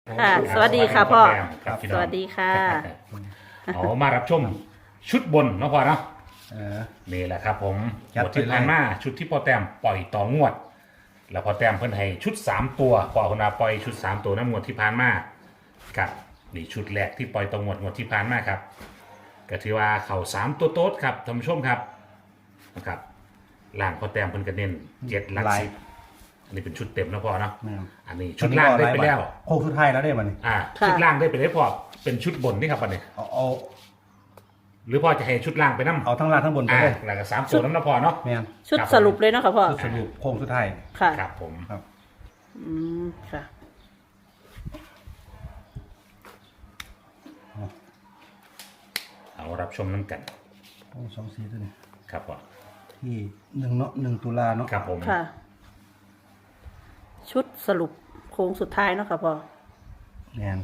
ค่ะสวัสดีค่ะพ่อครับพี่น้สองวัสดีค่ะเอามารับชมชุดบนเนาะพ่อเนาะเออนี่แหละครับผมจัดหมดที่ไปเลยผ่านมาชุดที่พ่อแต้มปล่อยต่องวด แล้วพ่อแต้มเพิ่นให้ชุด 3 ตัวพ่อคนนาปล่อยชุด 3 ตัวน้ำงวดที่ผ่านมากับนี่ชุดแรกที่ปล่อยต่องวดที่ผ่านมาครับก็ถือว่าเข่า3ตัวโต๊ดครับท่านผู้ชมครับนะครับล่างพ่อแต้มเพิ่นก็เน้น7หลักลายสิบอันนี้เป็นชุดเต็มนะพ่อเนาะแม่นอันนี้ชุดล่างได้ไปแล้วโค้งสุดท้ายแล้วได้บัดนี้ค่ะชุดล่างได้ไปได้พอเป็นชุดบนนี่ครับอันนี้เอาหรือพ่อจะให้ชุดล่างไปน้ำเอาทั้งล่างทั้งบนไปเลยแล้วก็3ตัวน้ำนะพ่อเนาะแม่นชุดสรุปเลยเนาะค่ะพ่อชุดสรุปโค้งสุดท้ายค่ะครับผมครับอืมค่ะเอารับชมน้ำกันโอ้2-4ตัวนี้ครับพ่อที่1เนาะ1ตุลาเนาะครับผมค่ะ ชุดสรุปโค้งสุดท้ายเนาะค่ะพ่อแม่น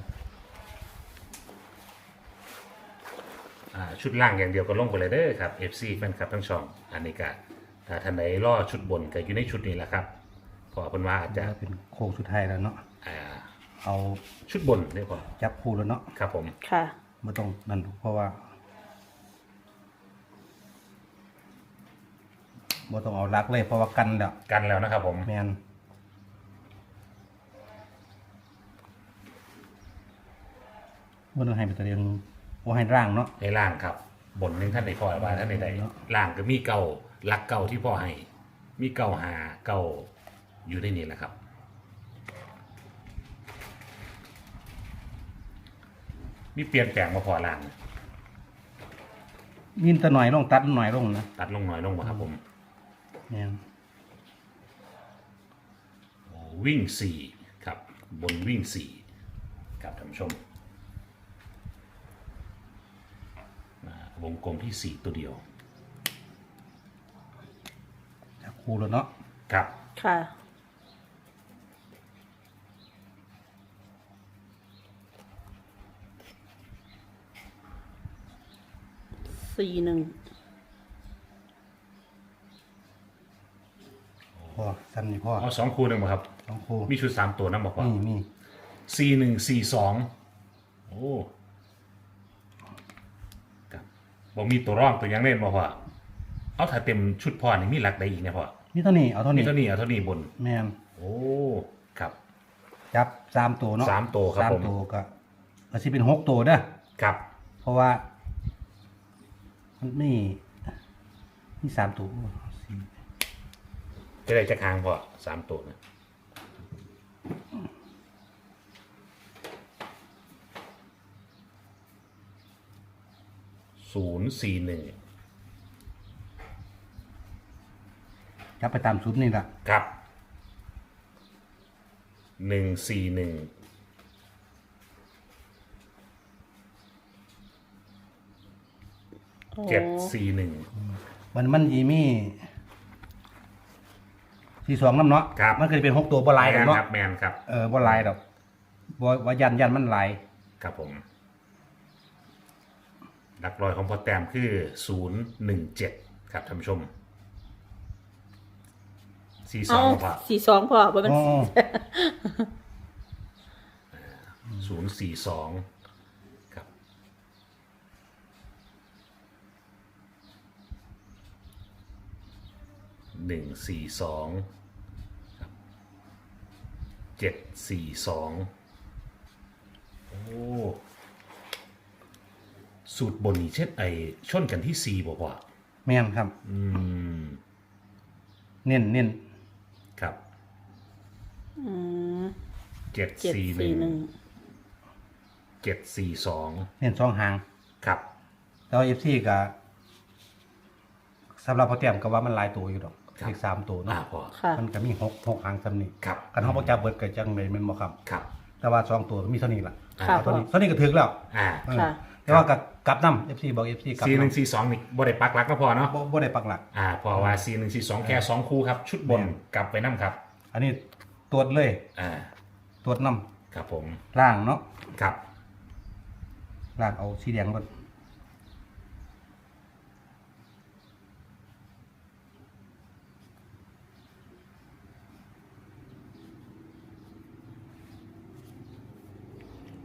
ชุดล่างอย่างเดียวก็ลงไปเลยเด้อครับ FC แฟนคลับทั้งช่องอันนี้ก็ถ้าท่านใดรอชุดบนก็อยู่ในชุดนี้แหละครับพอเพิ่นว่าอาจจะแล้วเป็นโค้งสุดท้ายแล้วเนาะอ่าเอาชุดบนนี่พอจับคู่แล้วเนาะครับผมค่ะบ่ต้องนั่นเพราะว่าบ่ต้องเอาลักเลยเพราะว่ากันแล้วกันแล้วนะครับผมแม่นบ่ต้องให้เป็นตัวเดียวบ่ให้ร่างเนาะในล่างครับ บนหนึงท่านใดพอว่าท่านใดเนาะล่างก็มีเก่าหลักเก่าที่พ่อให้ มีเก่าหาเก่าอยู่ในนี้แหละครับ มีเปลี่ยนแปลงมาพอล่างยินแตะหน่อยลงตัดหน่อยลงนะตัดลงหน่อยลงมาครับผมแม่นโอ้วิ่งสี่ครับ บนวิ่งสี่ครับท่านผู้ชมวงกลมที่สี่ตัวเดียวจับคู่แล้วเนาะครับค่ะ41 พ่อซ้ำนี่พ่อเอา2 คู่หนึ่งมาครับต้องคู่มีชุด3 ตัวนั่นบอกว่านี่ 4142โอ้ครับบอกมีตัวร่องตัวยังเล่นบอกว่าเอาถ้าเต็มชุดพ่อนี่มีหลักใดอีกเนี่ยพ่อนี่เท่านี้เอาเท่ามีนี้เท่านี้เอาเท่านี้บนแม่นโอ้ครับจับสามตัวเนาะสามตัวครับสามผมตัวก็อาจจะเป็น6ตัวเด้อครับเพราะว่ามันนี่สามตัวสี่จะได้จะค้างพ่อ3 ตัวนะ041 จับไปตามชุดนี่ล่ะครับ141 โอ้ 741 มันยีมี42น้ำเนาะครับมันเคยเป็น6ตัวบ่หลายดอกเนาะครับแมนครับบ่หลายดอกบ่ว่ายันมันหลายครับผมหลักร้อยของพอแต้มคือ017ครับท่านผู้ชมเอา 42ครับ 42พ่อบ่เป็นอ๋อ 042ครับ142ครับ742โอ้สูตรบนนี้เช่นไอชนกันที่4บอกว่าแม่นครับ เน้นครับอืม 741 741 742 เน้นสองหางครับแต่ว่า FC ก็สำหรับพ่อแต้มก็ว่ามันหลายตัวอยู่ดอกอีก3ตัวเนาะพอค่ะมันก็มี6หางซำนี้ครับกันเฮาบ่จับเบิดก็จังได๋แม่นบ่ครับครับแต่ว่า2ตัวมีเท่านี้ล่ะค่ะเอาเท่านี้เท่านี้ก็ถึกแล้วอ่าเออค่ะแต่ว่ากับกลับนำ FC บอก FC กลับ 4 นำ 1 4 2นี่บ่ได้ปักหลักก็พอเนาะบ่ได้ปักหลักพอว่า4 1 4 2แค่2คู่ครับ ชุดบนกลับไปน้ำครับอันนี้ตรวจเลยอ่าตรวจนำครับผมล่างเนาะครับล่างเอาสีแดงก่อน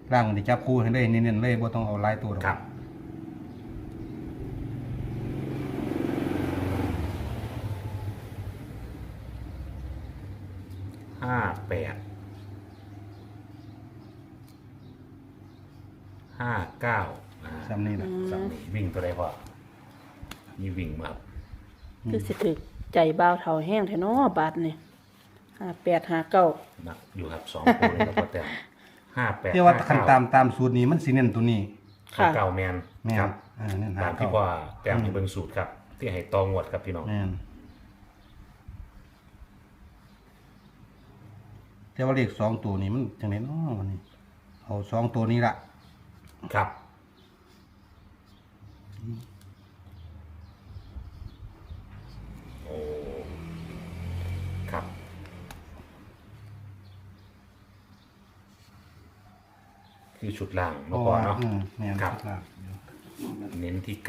ร่างที่จับคู่ให้ได้เน้นๆเลยบ่ต้องเอาหลายตัวหรอกครับ58 59 ซ้ำนี่แหละสามนี่วิ่งตัวใดพอมีวิ่งมาครับคือสิถึกใจบ่าวเฒ่าแห้งแท้เนาะบาดนี่5859 นักอยู่ครับ2ตัวเลยครับพอแต้ม58 แต่ว่าคันตามสูตรนี้มันสิเน้นตัวนี้ค่ะเก่าแมนแม่นครับเน้นหาตามที่เก่าว่าแต้มที่เบิ่งสูตรครับ ที่ให้ตองวดครับพี่น้องแม่นแต่ว่าเลข2ตัวนี้มันจังได๋เนาะวันนี้เอา2ตัวนี้ล่ะครับ โอ้ครับ คือชุดล่างเมื่อก่อนเนาะแม่นครับครับเน้นที่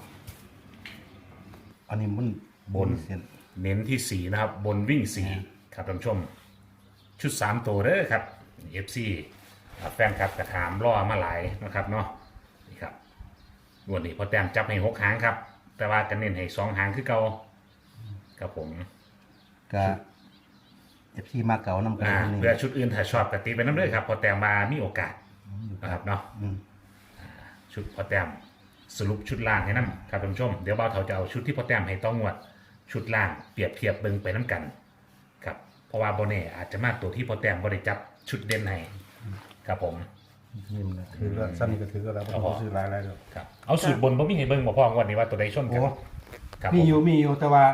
อันนี้มันบนเส้น 9 เน้นที่ 4 นะครับ บนวิ่ง 4 ครับท่านผู้ชม ชุด 3 ตัวเด้อครับ FC แฟนคลับกระถามล่อมาหลายนะครับเนาะนี่ครับวันนี้พอแต้มจับให้6 หางครับ แต่ว่ากันเน้นให้2 หางคือเก่าครับผมก็ FC มาเก่านำกันเพื่อชุดอื่นถ้าชอบกติไปน้ำเด้อครับพอแต้มมามีโอกาสนะครับเนาะอืมชุดพอแต้มสรุปชุดล่างให้น้ำครับท่านผู้ชมเดี๋ยวเบาเถาจะเอาชุดที่พอแต้มให้ต้องงวด ชุดล่างเปรียบเทียบเบิ่งไปน้ำกันครับเพราะว่าโบเน่อาจจะมากตัวที่พอแต้มบริจับชุดเด่นให้ครับผมนี่มันนะถือว่าซ้ำนี่ก็ถือก็แล้วบ่ต้องซื้อหลายๆแล้วครับเอาสูตรบนบ่มีให้เบิ่งบ่พองวันนี้ว่าตัวใดชนกันโอ้ครับมีผมอยู่แต่ว่า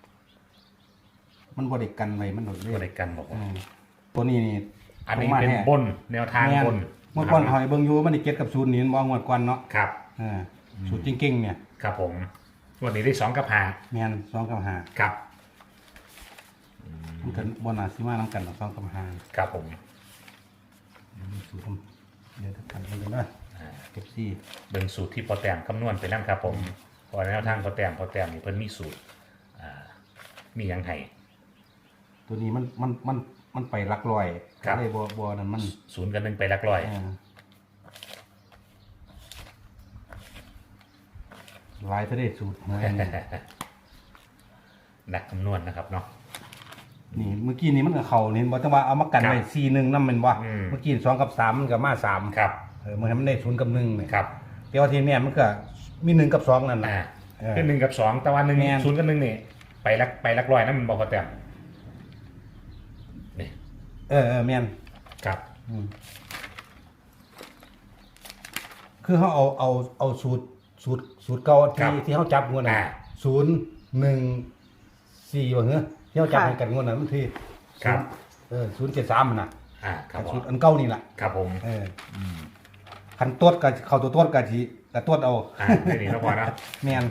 มันบ่ได้กันไว้มันโดดตัวใดเลยกันบอกตัวนี้นี่อันนี้ผมมาเป็นแน่บนแนวทางแม่นบนเมื่อก่อนหอยเบิ่งอยู่มันนี่เก็ตกับศูนย์นี่มันบ่งวดก่อนเนาะครับสูตรจริงๆเนี่ยครับผมวันนี้ได้2 กับ5 แม่น2กับ5 ครับมันก็บ่น่าสิมานํกันหรอก2กับ5 ครับผมสูตรผมเดี๋ยวกันเบิ่งกันนะเก็บซี่เบิ่งสูตรที่พอแต้มคำนวณไปนั่นครับผมเพอแนวทางพอแต้มนี่เพิ่นมีสูตรมีหยังไห้ตัวนี้มันไปหลักร้อยครับเลยบ่นั่นมัน 0 กับ 1ไปหลักร้อยหลายทะเลสูตรหวยอันนี้นักคำนวณนะครับเนาะนี่เมื่อกี้นี่มันก็เข้านี่บ่ต้องว่าเอามากันไว้ครับ 4-1นำแม่นบ่อืมเมื่อกี้2กับ3มันก็มา3 ครับมันให้มันได้0กับ1นี่ครับแต่ว่าทีเนี้ยมันก็มี1กับ2นั่นน่ะคือ1 กับ 2แต่ว่าแม่น 0 กับ 1นี่ไปหลักร้อยนั่นมันบอกพอแต้มนี่แม่นครับคือเขาเอาสูตรเก่าที่เขาจับงวดน่ะ0-1-4ว่าเหรอที่เขาจับให้กันงวดน่ะมันที่ครับ 073มันน่ะครับผมสูตรอันเก่านี่ล่ะครับผมคันตรวจก็เข้าตัวตรวจก็สิก็ตรวจเอาไม่ดีนะพอนะแม่น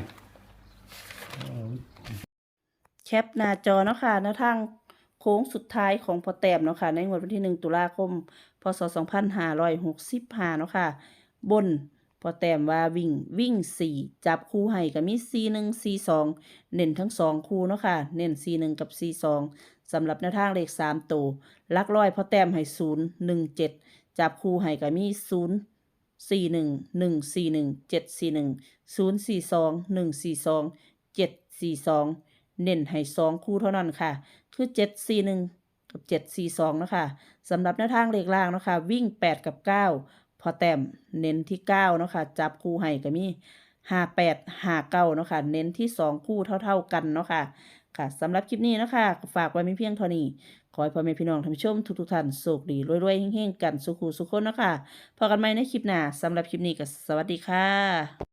แคปหน้าจอเนาะค่ะแนวทางโค้งสุดท้ายของพอแต้มเนาะค่ะในงวดวันที่1 ตุลาคม พศ 2565เนาะค่ะบนพอแต้มว่าวิ่ง 4 จับคู่ให้ก็มี 41 42 เน้นทั้ง 2 คู่เนาะค่ะเน้น 41 กับ 42สำหรับแนวทางเลข 3 ตัวหลักร้อยพอแต้มให้ 0 1 7 จับคู่ให้ก็มี 0 41 141 741 042 142 742 เน้นให้2คู่เท่านั้นค่ะคือ741กับ742นะคะสำหรับแนวทางเลขล่างเนาะค่ะวิ่ง8กับ9พอแต้มเน้นที่9เนาะค่ะจับคู่ให้ก็มี58 59เนาะค่ะเน้นที่2คู่เท่าๆกันเนาะค่ะค่ะสำหรับคลิปนี้เนาะค่ะฝากไว้มีเพียงเท่านี้ขอให้พ่อแม่พี่น้องท่านผู้ชมทุกท่านโชคดีรวยๆเฮงๆกันสุขุสุขคนเนาะค่ะพบกันใหม่ในคลิปหน้าสำหรับคลิปนี้ก็สวัสดีค่ะ